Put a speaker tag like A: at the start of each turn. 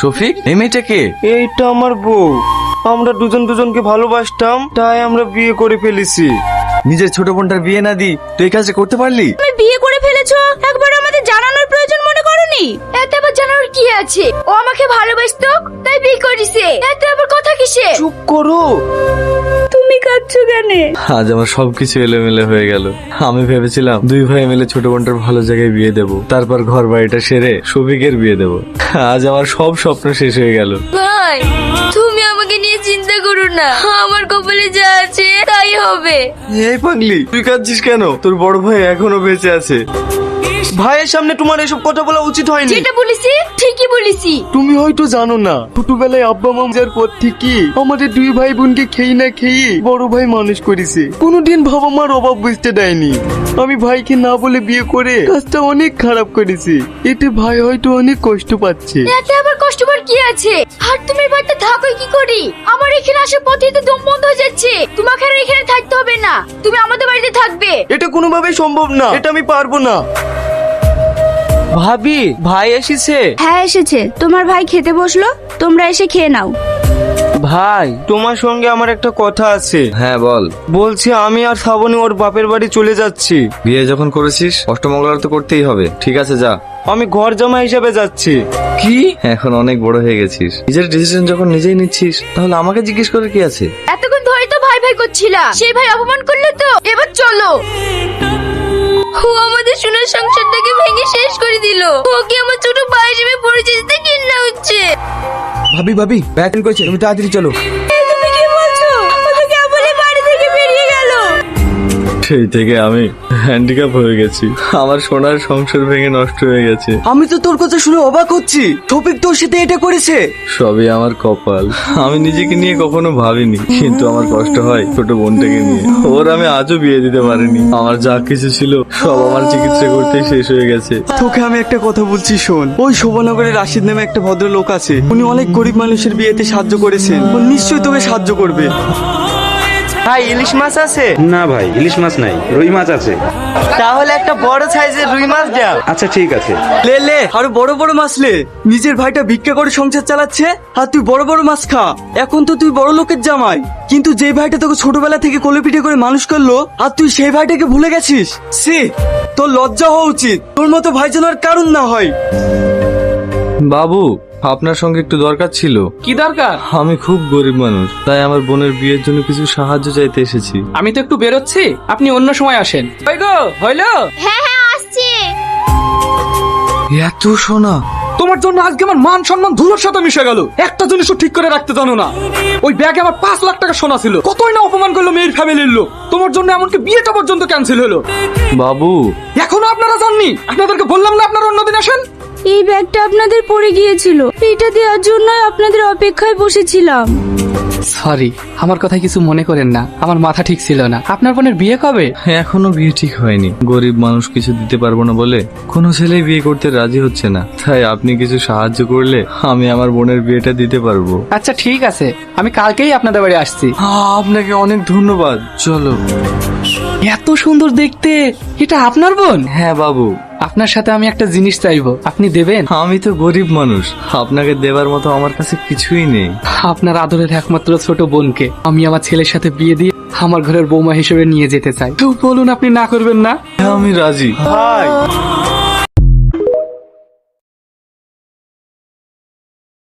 A: শফিক, এই মেয়েটা কে?
B: এইটা আমার বউ। আমরা দুজনকে ভালোবাসতাম, তাই আমরা বিয়ে করে ফেলেছি।
A: নিজের ছোট বোনটার বিয়ে না দি তুই এই কাজটা করতে পারলি?
C: তুমি বিয়ে করে ফেলেছো, একবার আমাদের জানানোর প্রয়োজন মনে করোনি? এতে আবার জানানোর কি আছে? ও আমাকে ভালোবাসতো তাই বিয়ে করেছে, এতে আবার কথা কিসে?
B: চুপ করো।
C: তুমি কাঁদছো কেন?
A: আজ আমার সবকিছু এলোমেলো হয়ে গেল। আমি ভেবেছিলাম দুই ভাই মিলে ছোট বোনটার ভালো জায়গায় বিয়ে দেব, তারপর ঘর বাড়িটা সেরে শফিকের বিয়ে দেব। আজ আমার সব স্বপ্ন শেষ হয়ে গেল।
C: ভাই, তুমি আমাকে নিয়ে চিন্তা করো না, আমার কপালে যা আছে তাই হবে।
A: এই পাগলি, তুই কাঁদছিস কেন? তোর বড় ভাই এখনো বেঁচে আছে।
B: ভাইয়ের সামনে তোমার এসব কথা বলা উচিত হয়নি।
C: যেটা বলেছি ঠিকই বলেছি।
B: তুমি হয়তো জানো না, ছোটবেলায় আব্বা মা যার পর থেকে আমাদের দুই ভাই বোনকে খেয়ে না খেয়ে বড় ভাই মানুষ করেছে। কোনোদিন বাবা মার অভাব বুঝতে দেয়নি। আমি ভাইকে না বলে বিয়ে করে কাজটা অনেক খারাপ করেছি। এতে ভাই হয়তো অনেক কষ্ট পাচ্ছে।
C: এতে আবার কষ্ট পাওয়ার কি আছে? আর তুমি বাড়িতে থাকো কি করি? আমার এখানে আসার পথে তো দম বন্ধ হয়ে যাচ্ছে। তোমাকে আর এখানে থাকতে হবে না, তুমি আমাদের বাড়িতে থাকবে।
B: এটা কোনোভাবেই সম্ভব না, এটা আমি পারবো না। ভাবি, ভাই এসেছে।
C: হ্যাঁ এসেছে, তোমার ভাই খেতে বসলো, তোমরা এসে খেয়ে নাও।
B: ভাই, তোমার সঙ্গে আমার একটা কথা আছে।
A: হ্যাঁ বল।
B: বলছি আমি আর শ্রাবণী ওর বাপের বাড়ি চলে যাচ্ছি।
A: বিয়ে যখন করেছিস অষ্টমঙ্গলার তো করতেই হবে। ঠিক আছে, যা।
B: আমি ঘর জামা হিসেবে যাচ্ছি।
A: কি? এখন অনেক বড় হয়ে গেছিস, নিজের ডিসিশন যখন নিজেই নিচ্ছিস তাহলে আমাকে জিজ্ঞেস করে কি আছে?
C: এতক্ষণ ধরে তো ভাই ভাই করছিলা, সেই ভাই অপমান করলে তো এবার চলো। ও আমাদের সোনার সংসারটাকে ভেঙে শেষ করে দিল। ওকে আমার ছোট ভাই হিসেবে পরিচিতিতে ঘৃণা হচ্ছে।
B: ভাবি ভাবি, ব্যাগ করেছে, তুমি তাড়াতাড়ি চলো।
C: তুমি কি বলছো? ও তো কেবলই বাড়ি থেকে বেরিয়ে গেল।
A: সেই থেকে আমি হ্যান্ডিক্যাপ হয়ে গেছি। আমার সোনার সংসার ভেঙে নষ্ট হয়ে গেছে।
B: আমি তো তোর কথা শুনে অবাক হচ্ছি। শফিক তোর সাথে এটা করেছে?
A: সবই আমার কপাল। আমি নিজেকে নিয়ে কখনো ভাবিনি, কিন্তু আমার কষ্ট হয় ছোট বোনটাকে নিয়ে। ওর আমি আজও বিয়ে দিতে পারিনি। আমার যা কিছু ছিল সব আমার চিকিৎসা করতেই শেষ হয়ে গেছে।
B: তোকে আমি একটা কথা বলছি, শোন। ওই শোভনগরে রাশিদ নামে একটা ভদ্রলোক আছে, উনি অনেক গরিব মানুষের বিয়েতে সাহায্য করেছেন। ও নিশ্চয়ই তোকে সাহায্য করবে। ভাই, ইলিশ মাছ আছে?
D: না ভাই, ইলিশ মাছ নাই, রুই মাছ আছে।
B: তাহলে একটা বড় সাইজের রুই মাছ দাও।
D: আচ্ছা ঠিক আছে।
B: লে লে, আরো বড় বড় মাছ লে। নিজের ভাইটা ভিক্ষা করে সংসার চালাচ্ছে, আর তুই বড় বড় মাছ খা। এখন তো তুই বড় লোকের জামাই, কিন্তু যে ভাইটা তোকে ছোটবেলা থেকে কোলে পিঠে করে মানুষ করলো, আর তুই সেই ভাইটাকে ভুলে গেছিস। সি, তোর লজ্জা হওয়া উচিত। তোর মতো ভাই যেন আর কারণ না হয়।
A: বাবু, আপনার সঙ্গে একটু দরকার ছিল।
E: কি দরকার?
A: আমি খুব গরিব মানুষ, তাই আমার বোনের বিয়ের জন্য কিছু সাহায্য চাইতে এসেছি।
E: আমি তো একটু বেরোচ্ছি, আপনি অন্য সময় আসেন। ওই গো, হইলো?
C: হ্যাঁ হ্যাঁ আসছি।
A: এত সোনা!
E: তোমার জন্য আজকে আমার মান সম্মান ধুলোর সাথে মিশে গেল। একটা জিনিসও ঠিক করে রাখতে জানো না। ওই ব্যাগে আমার 5 লাখ টাকা সোনা ছিল। কতই না অপমান করলো মেয়ের ফ্যামিলির লোক। তোমার জন্য এমনকি বিয়েটা পর্যন্ত ক্যান্সেল হলো।
A: বাবু,
E: এখনো আপনারা জাননি? আপনাদেরকে বললাম না আপনারা অন্যদিন আসেন।
C: এই ব্যাগটা আপনাদের পড়ে গিয়েছিল, এটা দেওয়ার জন্য আপনাদের অপেক্ষায় বসেছিলাম।
E: সরি, আমার কথা কিছু মনে করেন না, আমার মাথা ঠিক ছিল না। আপনার বোনের বিয়ে কবে?
A: এখনো বিয়ে ঠিক হয়নি। গরিব মানুষ কিছু দিতে পারবো না বলে কোনো ছেলে বিয়ে করতে রাজি হচ্ছে না। তাই আপনি কিছু সাহায্য করলে আমি আমার বোনের বিয়েটা দিতে পারবো।
E: আচ্ছা ঠিক আছে, আমি কালকেই আপনাদের বাড়ি আসছি।
A: আপনাকে অনেক ধন্যবাদ। চলো।
E: এত সুন্দর দেখতে, এটা আপনার বোন?
A: হ্যাঁ বাবু।
E: আপনার সাথে আমি একটা জিনিস চাইবো, আপনি দেবেন?
A: আমি তো গরিব মানুষ, আপনাকে দেবার মতো আমার কাছে কিছুই নেই।
E: আপনার আদরের একমাত্র ছোট বোনকে আমি আমার ছেলের সাথে বিয়ে দিয়ে আমার ঘরের বৌমা হিসেবে নিয়ে যেতে চাই। তো বলুন, আপনি না করবেন না?
A: হ্যাঁ, আমি রাজি।
B: ভাই,